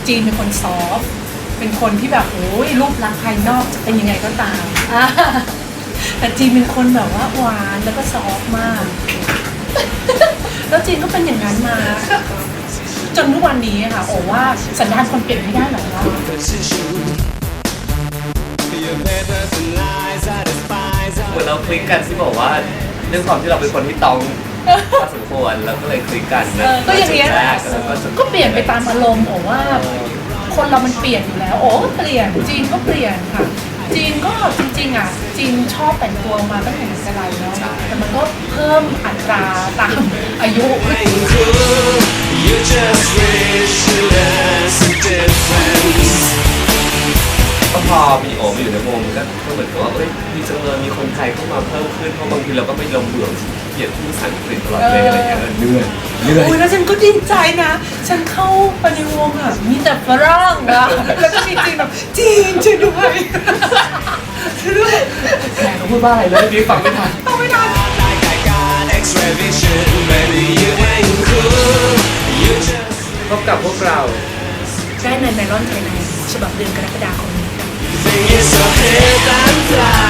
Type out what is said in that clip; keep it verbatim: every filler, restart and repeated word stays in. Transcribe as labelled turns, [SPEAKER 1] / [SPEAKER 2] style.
[SPEAKER 1] จีนเป็นคนซอฟเป็นคนที่แบบโอ้ยรูปลักษณ์ภายนอกจะเป็นยังไงก็ตามแต่จีนเป็นคนแบบว่าหวานแล้วก็ซอฟมากแล้วจีนก็เป็นอย่างนั้นมาจนทุกวันนี้ค่ะโอ้ว่าสันดานคนเปลี่ยนไม่ได้หรอกว่า
[SPEAKER 2] เหมือนเราคลิกกันที่บอกว่าเรื่องความที่เราเป็นคนที่ต้องพอสมควรแล้วก็เลยคลิกกันนะ
[SPEAKER 1] ก็อย่างเงี้ย
[SPEAKER 2] แรกแล้ว
[SPEAKER 1] ก็เปลี่ยนไปตามอารมณ์โอ้ว่าคนเรามันเปลี่ยนอยู่แล้วโอ้ก็เปลี่ยนจีนก็เปลี่ยนค่ะจีนก็จริงๆอ่ะจีนชอบแต่งตัวมาตั้งแต่ไหนแต่ไรเนาะแต่มันก็เพิ่มอัตราตามอายุ
[SPEAKER 2] ก็พอมีโอมาอยู่ในวงก็เหมือนกับว่าเอ้ยมีจังเลยมีคนไทยเข้ามาเพิ่มขึ้นเพราะบางทีเราก็ไม่ลงเบื่อเกลียดพูดภาษาอังกฤษตลอดเลยอะไรอย่างเงี้ยเหนื่อยเหนื่อย
[SPEAKER 1] โอ้ยแล้วฉันก็ดีใจนะฉันเข้าไปในวงอ่ะมีแต่ฝรั่งอ่ะแล้วก็มีจีนแบบจีนช่วยด้วยช่วยด้วย
[SPEAKER 2] แขกเขาพูดว่าอะไรเลยพี่ฟังไม่ทัน
[SPEAKER 1] ฟังไม่ทัน
[SPEAKER 2] พบกับพวกเรา
[SPEAKER 1] ได้ในไนลอนไทยแลนด์ฉบับเดือนกรกฎาคมนี้ค่ะ